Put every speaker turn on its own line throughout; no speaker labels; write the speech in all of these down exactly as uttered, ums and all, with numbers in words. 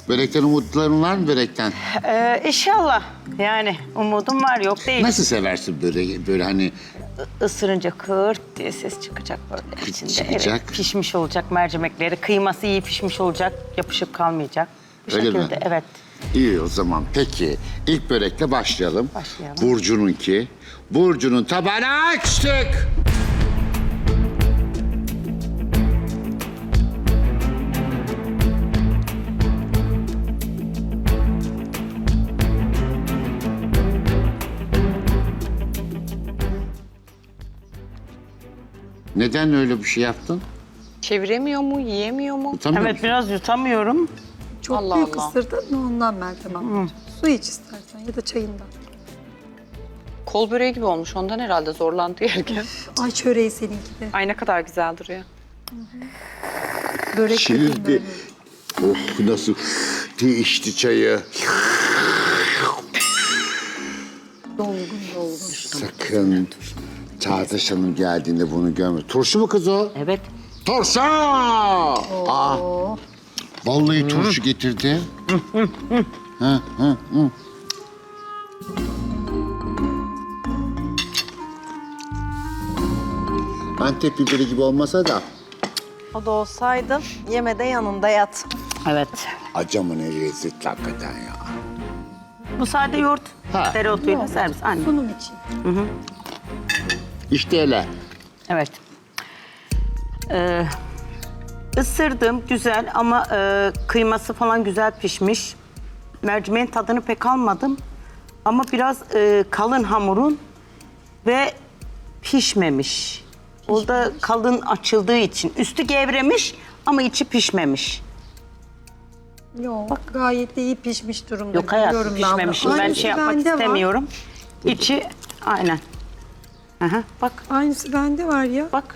Börekten umutların var mı börekten?
Ee, inşallah. Yani umudum var, yok değil.
Nasıl seversin böreği? Böyle hani
Isırınca kırt diye ses çıkacak böyle içinde.
çıkacak.
Evet, pişmiş olacak mercimekleri. Kıyması iyi pişmiş olacak, yapışık kalmayacak. Bu
Öyle mi?
şekilde, evet.
iyi o zaman. Peki ilk börekle başlayalım.
Başlayalım.
Burcu'nunki. Burcu'nun tabağını açtık. Neden öyle bir şey yaptın?
Çeviremiyor mu, yiyemiyor mu?
Utanmıyor
Evet,
musun?
biraz yutamıyorum.
Çok
Allah
büyük
Allah.
ısırdın mı ondan Meltem ablacığım. Su iç istersen ya da çayından.
Kol böreği gibi olmuş. Ondan herhalde zorlandı yerken.
Ay çöreği seninki de.
Ay ne kadar güzel duruyor.
Börek
Şimdi
dediğin böyle.
oh nasıl değişti çayı.
Dolgun dolgun.
Sakın Çağdaş Hanım geldiğinde bunu görme. Turşu mu kız o?
Evet.
Turşu! Aa,
Oo.
vallahi turşu getirdi. Hı, hı, hı. Antep biberi gibi olmasa da
O da olsaydı yemede yanında yat.
Evet.
acamın ne lezzetli hakikaten ya.
Bu sade yoğurt.
Ha.
Dereotuyla servis. Aynen.
Sunum için.
İşte öyle.
Evet. Ee, ısırdım, güzel ama e, kıyması falan güzel pişmiş. Mercimeğin tadını pek almadım. Ama biraz e, kalın hamurun ve pişmemiş. O da kalın açıldığı için. Üstü gevremiş ama içi pişmemiş.
Yok gayet de iyi pişmiş durumda.
Yok hayatım,
Görüyorum ben
pişmemişim.
bunu.
Ben
Aynısı
şey yapmak
bende var.
istemiyorum. İçi aynen. Aha, bak,
Aynısı bende var ya.
bak.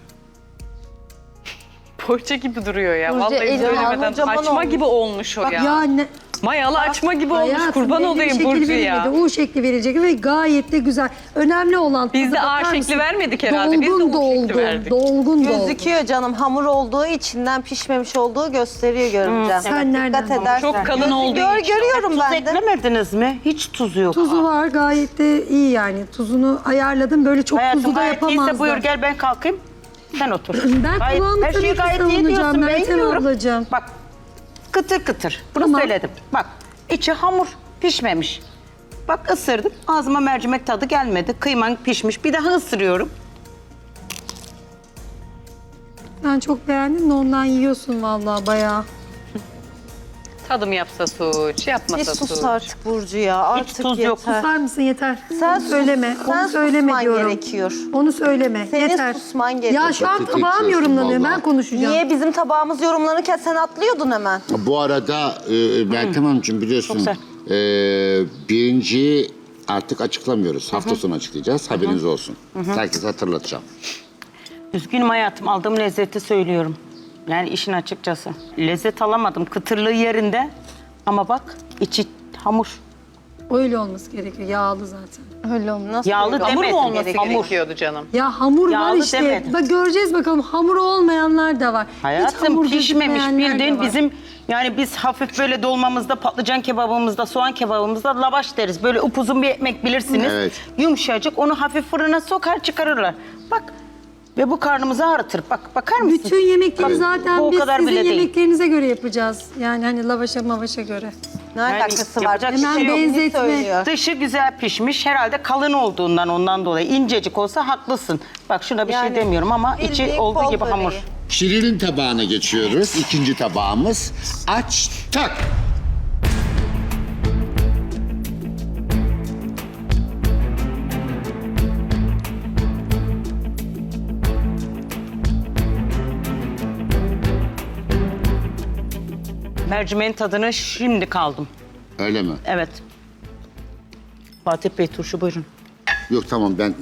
Poğaça gibi duruyor ya.
Burcu,
Vallahi
eli
söylemeden
kocaman
açma
olmuş.
gibi olmuş o ya.
Ya ne?
Mayalı açma gibi olmuş.
Hayatım,
Kurban
belli bir
olayım
şekil
Burcu ya.
verilmedi. U şekli verilecek ve gayet de güzel. Önemli olan...
Biz de
tadı
A
bakar
şekli
mısın?
vermedik herhalde. Biz de
Dolgun
U şekli
dolgun,
verdik.
dolgun dolgun.
Gözüküyor canım, hamur olduğu içinden pişmemiş olduğu gösteriyor görünce.
Sen nereden
Dikkat edersen.
Çok kalın
Gözü-
olduğu
gör,
için.
Görüyorum
Tuz
ben de.
eklemediniz mi? Hiç tuzu yok.
Tuzu var gayet de iyi yani. Tuzunu ayarladım. Böyle çok
Hayatım
tuzlu da
gayet iyiyse
yapamazdım.
buyur gel ben kalkayım. Sen otur.
Ben
Gayet-
kıvamı
her
tabii
şeyi
ki
gayet iyi
savunacağım
diyorsun. Ben
Meltem
yiyorum.
ablacığım.
Bak kıtır kıtır. Bunu
Tamam.
söyledim. Bak içi hamur pişmemiş. Bak ısırdım. Ağzıma mercimek tadı gelmedi. Kıyman pişmiş. Bir daha ısırıyorum.
Ben çok beğendim de ondan yiyorsun vallahi bayağı.
Tadım yapsa suç,
Bir
yapmasa
sus
suç.
artık Burcu ya. Artık
tuz yok.
yeter.
Susar mısın yeter.
Sen
Onu
sus,
söyleme.
sen
Onu söyleme
susman
diyorum.
gerekiyor.
Onu söyleme.
Senin
yeter.
susman gerekiyor.
Ya şu an
Patates
tabağım
yiyorsun
yorumlanıyor.
vallahi.
Ben konuşacağım.
Niye bizim tabağımız yorumlanırken sen atlıyordun hemen?
Bu arada e, Meltem Hanımcığım biliyorsun
Çok
e, birinciyi artık açıklamıyoruz. Hafta sonu açıklayacağız. Haberiniz olsun. Herkese hatırlatacağım.
Üzgünüm hayatım. Aldığım lezzeti söylüyorum. Yani işin açıkçası. Lezzet alamadım. Kıtırlığı yerinde. Ama bak içi hamur.
Öyle olması gerekiyor. Yağlı zaten.
Öyle olmaz. Nasıl
Yağlı
öyle?
Hamur
demedim.
mu olması
Hamur.
gerekiyordu canım?
Ya hamur var
Yağlı
işte.
demedim.
Bak göreceğiz bakalım. Hamur olmayanlar da var. Hiç
Hayatım
hamur
pişmemiş
gözükmeyenler de
bildiğin
var.
bizim yani biz hafif böyle dolmamızda, patlıcan kebabımızda, soğan kebabımızda lavaş deriz. Böyle upuzun bir ekmek bilirsiniz.
Evet.
Yumuşacık onu hafif fırına sokar çıkarırlar. Bak ve bu karnımızı ağrıtır. Bak bakar mısın?
Bütün yemekleri
Bak,
zaten
bu o
biz
kadar
sizin
bile değil.
yemeklerinize göre yapacağız. Yani hani lavaşa mavaşa göre.
Ne
Yani
alakası var?
yapacak bir
Hemen
şey yok.
benzetme.
Söylüyor.
Dışı güzel pişmiş. Herhalde kalın olduğundan ondan dolayı. İncecik olsa haklısın. Bak şuna bir
Yani
şey demiyorum ama içi
bildiğin
olduğu
kol
gibi hamur.
böreği.
Şirin'in tabağına geçiyoruz. İkinci tabağımız. Açtık.
Mercimeğin tadını şimdi kaldım.
Öyle mi?
Evet. Fatih Bey turşu buyurun.
Yok tamam ben...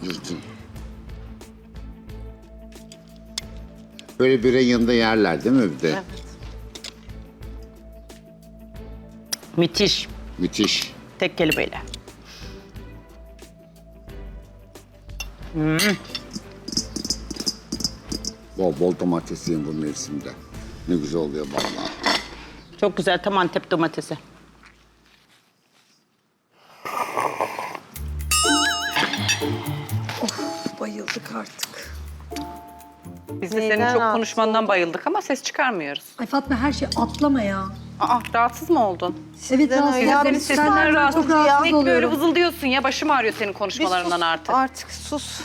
Böyle böreğin yanında yerler değil mi bir de?
Evet.
Müthiş.
Müthiş.
Tek kelimeyle.
Bol bol domates yiyin bu mevsimde. Ne güzel oluyor vallahi.
Çok güzel, tam Antep domatesi.
Bayıldık artık.
Biz de
Neyden
senin çok
rahatsız
konuşmandan bayıldık ama ses çıkarmıyoruz.
Ay Fatma her şey atlama ya.
Aa, rahatsız mı oldun?
Evet rahatsız
öyle.
ederim.
Senin
sesinden
Senden ben
rahatsız
çok rahatsız
Sürekli böyle
oluyorum.
vızıldıyorsun ya. Başım ağrıyor senin
Bir
konuşmalarından
sus,
artık.
Artık sus.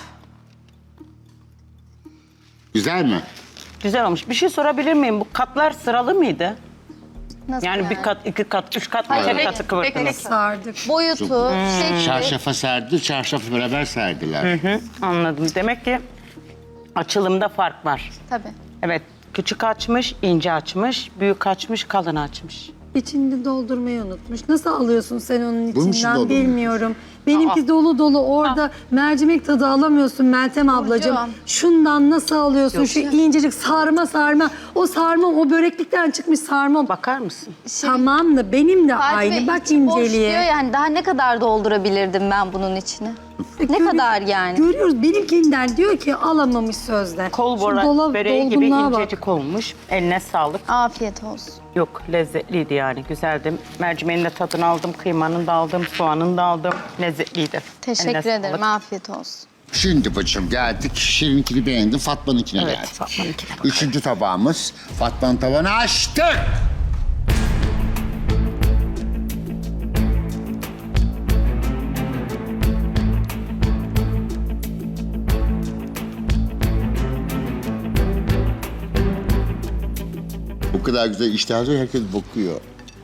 Güzel mi?
Güzel olmuş. Bir şey sorabilir miyim? Bu katlar sıralı mıydı?
Nasıl
Yani bir kat, iki kat, üç kat, beşer
Hayır,
katı
bek-
kıvırdınız.
Sardık.
Boyutu, şekli.
Çarşafa serdi, çarşafı beraber serdiler.
Hı, anladım. Demek ki açılımda fark var.
Tabii.
Evet, küçük açmış, ince açmış, büyük açmış, kalın açmış.
İçini doldurmayı unutmuş. Nasıl alıyorsun sen onun
Bunun için
içinden
doldurmuş.
bilmiyorum. Benimki dolu dolu orada mercimek tadı alamıyorsun Meltem ablacığım.
Burcu.
Şundan nasıl alıyorsun? Şu incecik sarma sarma. O sarma o böreklikten çıkmış sarma. Bak
Bakar mısın?
tamam da benim de
Fatih
aynı.
Bey,
Bak
içi boş diyor
inceliğe.
yani daha ne kadar doldurabilirdim ben bunun içine? Ne
Görü-
kadar yani?
Görüyoruz benimkinden diyor ki alamamış sözde.
Kol
Şu
bora,
dola-
böreği gibi
dolgunluğa bak.
incecik olmuş. Eline sağlık.
Afiyet olsun.
Yok, lezzetliydi yani, güzeldi. Mercimeğin de tadını aldım, kıymanın da aldım, soğanın da aldım. Lezzetliydi.
Teşekkür
Eline
ederim.
sağlık.
Afiyet olsin.
Şimdi bacım geldik. Şirinkini beğendim, Fatma'nınkine
Evet,
geldik.
Fatma'nınkine bakalım.
Üçüncü tabağımız. Fatma'nın tavanı açtık. Bu kadar güzel iştahlı herkes bakıyor.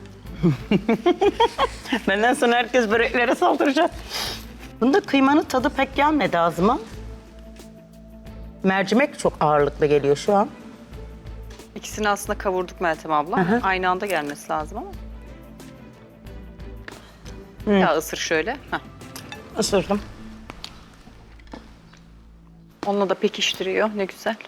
Benden sonra herkes böreklere saldıracak. Bunda kıymanın tadı pek gelmedi ağzıma. Mercimek çok ağırlıklı geliyor şu an.
İkisini aslında kavurduk Meltem abla. Aynı anda gelmesi lazım ama. Ya ısır şöyle. Heh.
Isırdım.
Onunla da pekiştiriyor. Ne güzel.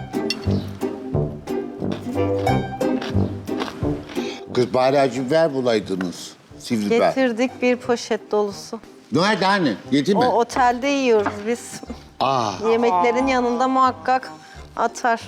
Kız bari acı biber bulaydınız. Sivri biber.
Getirdik bir poşet dolusu.
Nerede hani? Yedi mi?
O otelde yiyoruz biz.
Aa.
Yemeklerin yanında muhakkak atar.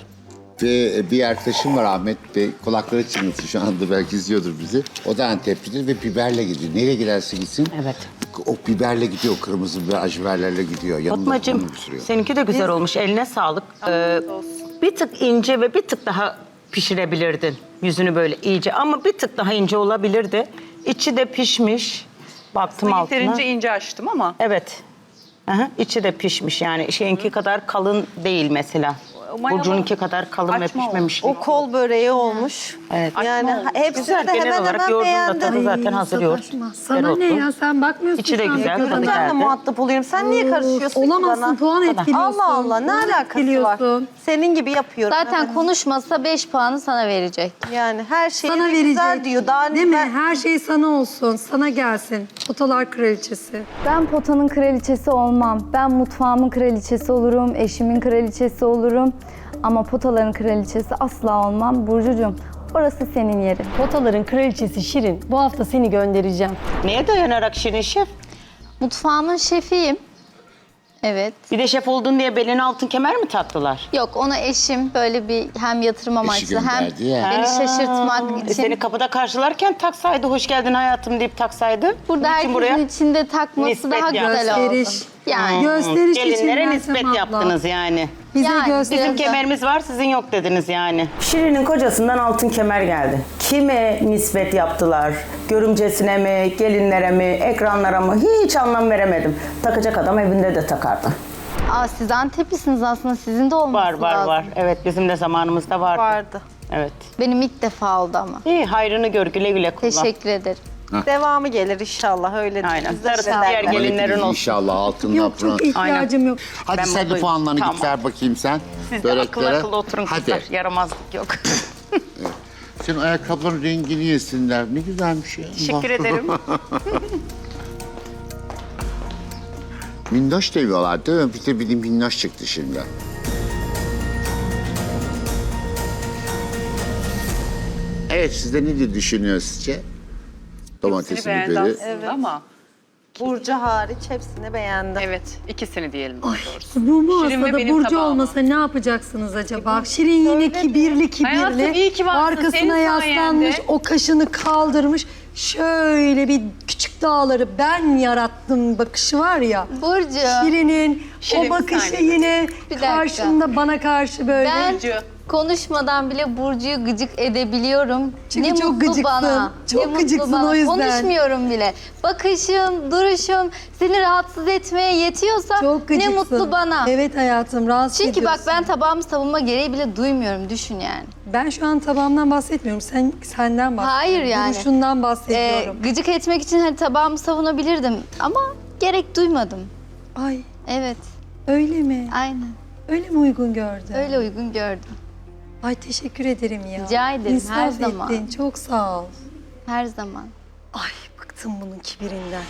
Ve bir arkadaşım var Ahmet Bey. Kulakları çınlasın şu anda belki izliyordur bizi. O da Anteplidir ve biberle gidiyor. Nereye giderse gitsin.
Evet.
O biberle gidiyor. Kırmızı biber, acı biberlerle gidiyor. Yanında
Fatmacığım,
bunu sürüyor.
seninki de güzel olmuş. Eline sağlık. Ee, bir tık ince ve bir tık daha pişirebilirdin. Yüzünü böyle iyice ama bir tık daha ince olabilirdi. İçi de pişmiş. Baktım altına.
Yeterince ince açtım ama.
Evet. Aha, içi de pişmiş yani. Şeyinki kadar kalın değil mesela.
mayalı
Burcu'nunki kadar kalın ve
açma
pişmemiş.
O kol böreği olmuş.
Evet.
Yani
olmuş.
hepsini
Güzel,
de
genel
hemen
olarak
hemen
yoğurdun da
beğendim.
tadı zaten hazır yoğurt.
sataşma. Sana ne
Dereotlu.
ya sen bakmıyorsun.
İçi de
şu an
güzel,
ekrana.
tadı
Ben de
geldi.
muhatap oluyorum. Sen niye karışıyorsun ki
Olamazsın
bana?
puan etkiliyorsun.
Allah Allah ne
Puan
alakası var?
etkiliyorsun.
Senin gibi yapıyorum.
Zaten
hemen.
konuşmasa beş puanı sana verecek.
Yani her şey
Sana
güzel
verecek.
diyor. Daha
Değil mi?
ben-
Her şey sana olsun. Sana gelsin. Otalar kraliçesi.
Ben potanın kraliçesi olmam. Ben mutfağımın kraliçesi olurum, eşimin kraliçesi olurum. Ama potaların kraliçesi asla olmam. Burcucuğum, orası senin yerin.
Potaların kraliçesi Şirin. Bu hafta seni göndereceğim.
Neye dayanarak Şirin Şef?
Mutfağımın şefiyim. Evet.
Bir de şef oldun diye beline altın kemer mi taktılar?
Yok ona eşim böyle bir hem yatırım amaçlı hem
gönderdi ya.
beni şaşırtmak
E
için.
seni kapıda karşılarken taksaydı, hoş geldin hayatım deyip taksaydı.
Burada
Niçin
herkesin içinde takması
nispet
daha
yani.
güzel oldu.
Gösteriş.
Yani.
Gösteriş için
Gelinlere
Meltem
nispet
abla.
yaptınız yani.
Bize
Yani
gösteriş.
Bizim kemerimiz var, sizin yok dediniz yani. Şirin'in kocasından altın kemer geldi. Kime nispet yaptılar? Görümcesine mi, gelinlere mi, ekranlara mı? Hiç anlam veremedim. Takacak adam evinde de takardı.
Aa, siz Anteplisiniz aslında sizin de olması
Var var
lazım.
var. Evet, bizim de zamanımızda vardı.
vardı.
Evet.
Benim ilk defa oldu ama.
İyi, hayrını gör, güle güle kullan.
Teşekkür ederim.
Devamı gelir inşallah öyle.
Aynen.
Bizde
Darısı
derler.
diğer gelinlerin olsun.
İnşallah altınla
Yok çok ihtiyacım yok.
Hadi
Ben
sen de
mutluyum.
puanlarını
Tamam.
git ver bakayım sen.
Siz de akıl
Böreklere.
akıl oturun kızlar.
Hadi.
Yaramazlık yok.
Senin ayakkabıların rengini yesinler. Ne güzelmiş ya.
Teşekkür ederim.
Minnoş diyorlar değil mi? Bir de benim minnoş çıktı şimdi. Evet, siz de ne diye düşünüyorsunuz sizce? Domatesi,
Hepsini beğendi
biberi.
aslında ama
Burcu hariç hepsini beğendim.
Evet, ikisini diyelim daha
Ay,
doğrusu.
bu
Şirin ve
masada
benim
Burcu
tabağım.
olmasa ne yapacaksınız acaba? Şirin yine kibirli kibirli.
Hayatım, iyi ki varsın.
Arkasına
Senin
yaslanmış,
sayende.
o kaşını kaldırmış. Şöyle bir küçük dağları ben yarattım bakışı var ya.
Burcu,
Şirin'in
Şirin,
o
bir
bakışı
saniye.
yine
Bir dakika.
karşında bana karşı böyle.
ben
Burcu.
konuşmadan bile Burcu'yu gıcık edebiliyorum.
Çünkü
ne
çok
mutlu
gıcıksın.
bana.
Çok
ne mutlu
gıcıksın
bana.
o yüzden.
Konuşmuyorum bile. Bakışım, duruşum seni rahatsız etmeye yetiyorsa
Çok
ne
gıcıksın.
mutlu bana.
Evet hayatım, rahatsız
Çünkü bak
ediyorsun.
ben tabağımı savunma gereği bile duymuyorum. Düşün yani.
Ben şu an tabağımdan bahsetmiyorum. Sen senden bahsediyorum.
Hayır yani.
Duruşundan
Ee,
bahsediyorum.
gıcık etmek için hani tabağımı savunabilirdim. Ama gerek duymadım.
Ay
Evet,
öyle mi?
aynen.
Öyle mi uygun gördün?
Öyle uygun gördüm.
Ay teşekkür ederim ya.
Rica ederim,
İnsaf
her zaman.
ettin. Çok sağ ol.
Her zaman.
Ay bıktım bunun kibirinden.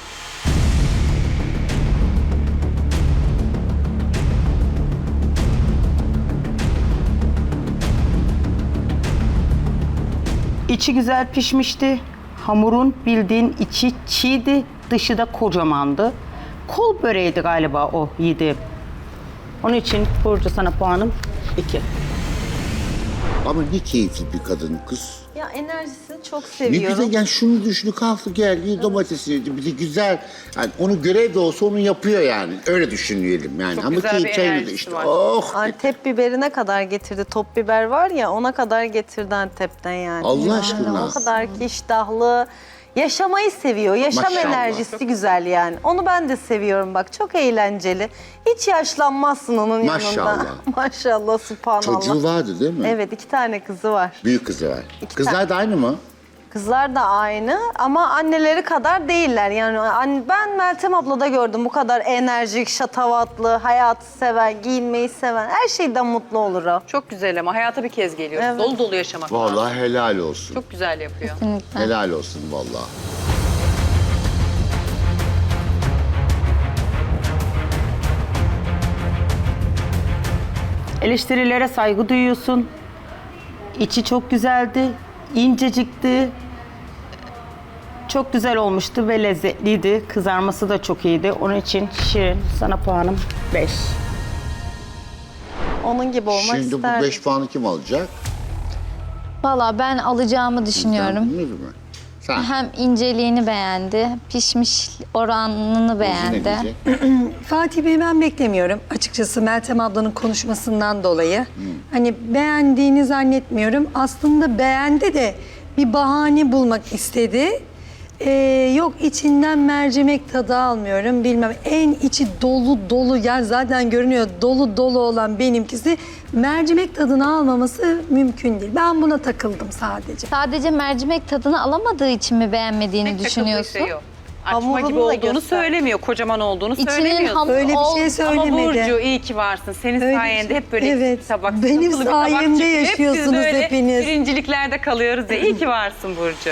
İçi güzel pişmişti. Hamurun bildiğin içi çiğdi, dışı da kocamandı. Kol böreğiydi galiba o yediğim. Onun için Burcu sana puanım iki.
Ama ne keyifli bir kadın kız.
Ya enerjisini çok
Ne
seviyorum.
güzel, yani şunu düşün, kalktı geldi domatesini yedi, bir de güzel. Yani onu görev de olsa onu yapıyor yani. Öyle düşünelim yani.
Çok
Ama
güzel bir
keyif çayını da
enerjisi
işte.
var.
Oh!
Antep biberine kadar getirdi. Top biber var ya ona kadar getirdi Antep'ten yani.
Allah aşkına.
O kadar ki iştahlı. Yaşamayı seviyor. Yaşam
Maşallah.
enerjisi güzel yani. Onu ben de seviyorum bak. Çok eğlenceli. Hiç yaşlanmazsın onun
Maşallah.
yanında. Maşallah, subhanallah.
Çocuğu vardı değil mi?
Evet, iki tane kızı var.
Büyük kızı var.
İki
Kızlar
tane.
da aynı mı?
Kızlar da aynı ama anneleri kadar değiller. Yani an- ben Meltem ablada gördüm bu kadar enerjik, şatavatlı, hayatı seven, giyinmeyi seven, her şeyden mutlu olur o.
Çok güzel ama hayata bir kez geliyor.
Evet.
Dolu dolu yaşamak lazım.
Vallahi helal olsun.
Çok güzel yapıyor.
Kesinlikle.
Helal olsun vallahi.
Eleştirilere saygı duyuyorsun. İçi çok güzeldi, incecikti. Çok güzel olmuştu ve lezzetliydi. Kızarması da çok iyiydi. Onun için Şirin sana puanım beş.
Onun gibi olmak
Şimdi
isterdim.
bu beş puanı kim alacak?
Valla ben alacağımı düşünüyorum.
Sen bilmiyor musun? Sen.
Hem inceliğini beğendi, pişmiş oranını
Ne
beğendi.
diyecek?
Fatih Bey ben beklemiyorum. Açıkçası Meltem ablanın konuşmasından dolayı. Hani beğendiğini zannetmiyorum. Aslında beğendi de bir bahane bulmak istedi. Ee, yok içinden mercimek tadı almıyorum bilmem. En içi dolu dolu yani zaten görünüyor dolu dolu olan benimkisi mercimek tadını almaması mümkün değil. Ben buna takıldım sadece.
Sadece mercimek tadını alamadığı için mi beğenmediğini
Tek
düşünüyorsun?
takıldığı şey o. Açma
Hamurunu
gibi
da
olduğunu
göster.
söylemiyor, kocaman olduğunu
İçinin
söylemiyor.
hamur
Öyle bir
ol-
şey
Ama
söylemedi.
Burcu iyi ki varsın. Senin
Öyle bir
sayende
şey-
hep böyle
Evet,
tabak,
benim
sıkıntılı bir tabak
sayemde
çıkıyor. Hep biz
yaşıyorsunuz
böyle
hepiniz.
birinciliklerde kalıyoruz ya. İyi ki varsın Burcu.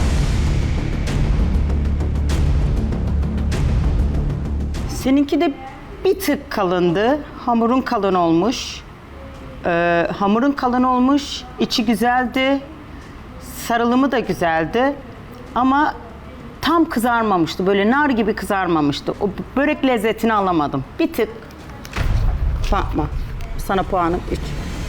Seninki de bir tık kalındı. Hamurun kalın olmuş. Ee, hamurun kalın olmuş. İçi güzeldi. Sarılımı da güzeldi. Ama tam kızarmamıştı. Böyle nar gibi kızarmamıştı. O börek lezzetini alamadım. Bir tık. Fatma, sana puanım üç.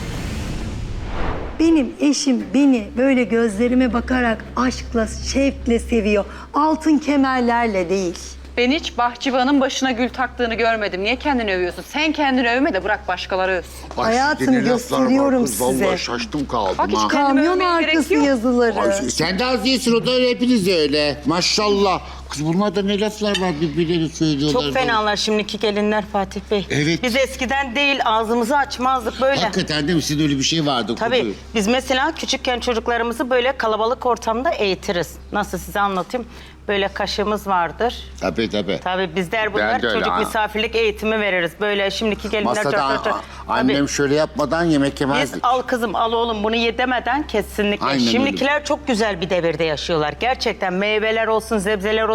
Benim eşim beni böyle gözlerime bakarak aşkla, şevkle seviyor. Altın kemerlerle değil.
Ben hiç bahçıvanın başına gül taktığını görmedim. Niye kendini övüyorsun? Sen kendini övme de bırak başkaları övsün.
Ay,
Hayatım,
gene laflar var
gösteriyorum
kız,
size.
Vallahi şaştım kaldım
Bak hiç
ha.
kendimi
Kamyon
övmeye gerek
arkası
yok.
yazıları.
Ay, sen de az değilsin, o da öyle, hepiniz de öyle. Maşallah. Kız bunlarda ne laflar var, birbirleri söylüyorlar.
Çok fenalar şimdiki gelinler Fatih Bey.
Evet.
Biz eskiden değil ağzımızı açmazdık böyle.
Hakikaten değil mi? Sizin öyle bir şey vardı.
Tabii
Kudu.
biz mesela küçükken çocuklarımızı böyle kalabalık ortamda eğitiriz. Nasıl size anlatayım? Böyle kaşığımız vardır.
Tabii tabii.
Tabii bizler bunlar
Ben de öyle,
çocuk
ha.
misafirlik eğitimi veririz. Böyle şimdiki gelinler...
Masada
çat çat çat.
a- annem
Tabii.
şöyle yapmadan yemek
Biz
yemezdik.
al kızım al oğlum bunu ye demeden kesinlikle.
Aynen öyle.
Şimdikiler çok güzel bir devirde yaşıyorlar. Gerçekten meyveler olsun, sebzeler olsun.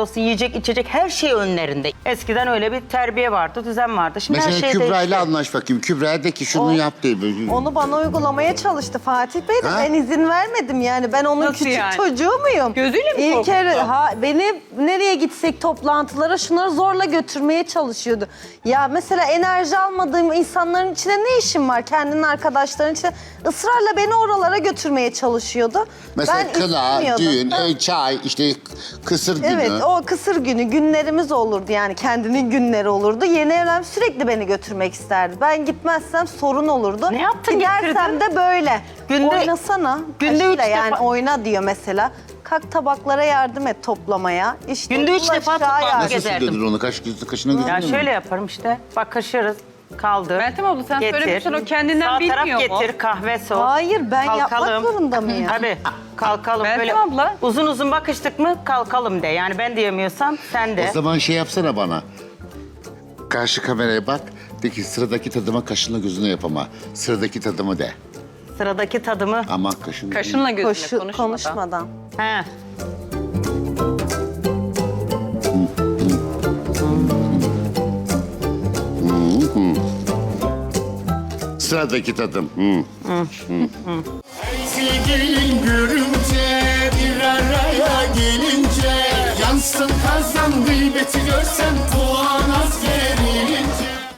olsun, yiyecek, içecek her şey önlerinde. Eskiden öyle bir terbiye vardı, düzen vardı. Şimdi her
Mesela
şey
Kübra ile
değişti.
anlaş bakayım. Kübra de ki şunu
O-
yap diye. Böyle.
Onu bana uygulamaya çalıştı Fatih Bey de
Ha?
ben izin vermedim yani. Ben onun
Nasıl
küçük
yani?
çocuğu muyum?
Gözüyle mi
İlk
korkuttu?
kere- ha, beni nereye gitsek toplantılara şunları zorla götürmeye çalışıyordu. Ya mesela enerji almadığım insanların içinde ne işim var? Kendinin arkadaşlarının içinde ısrarla beni oralara götürmeye çalışıyordu.
Mesela
ben
kına,
istemiyordum.
düğün,
Ha.
e, çay, işte kısır günü.
Evet, o kısır günü günlerimiz olurdu yani kendinin günleri olurdu. Yeni evlen sürekli beni götürmek isterdi. Ben gitmezsem sorun olurdu.
Ne yaptın,
Gidersem
getirdin?
de böyle.
Günde-
Oynasana.
günde
Kaşıyla
üç
yani
defa-
oyna diyor mesela. Kalk tabaklara yardım et toplamaya. İşte
Günde üç
bulaşığa
defa toplantı
yardım-
Nasıl
gezerdim.
sürdürür onu? Kaş, kaşına gidiyor
Ya
mu?
şöyle yaparım işte. Bakışırız. Kaldır.
Meltem abla sen
getir.
söylemişsin, o kendinden
Sağ
bilmiyor
taraf
mu?
getir, kahve soğuk.
Hayır, ben yapmak
Kalkalım.
zorunda mıyım?
Tabii kalkalım.
Meltem
Böyle
abla.
uzun uzun bakıştık mı kalkalım de. Yani ben diyemiyorsam sen de.
O zaman şey yapsana bana. Karşı kameraya bak. De ki sıradaki tadıma kaşınla gözüne yapama. Sıradaki tadımı de.
Sıradaki tadımı.
Ama kaşın.
Kaşınla gözüne
Koşu,
konuşmadan.
konuşmadan.
He.
Sıradaki tadım. Hı.
Sevgilin görünce bir araya gelince yansın kazan gıybeti görsen puan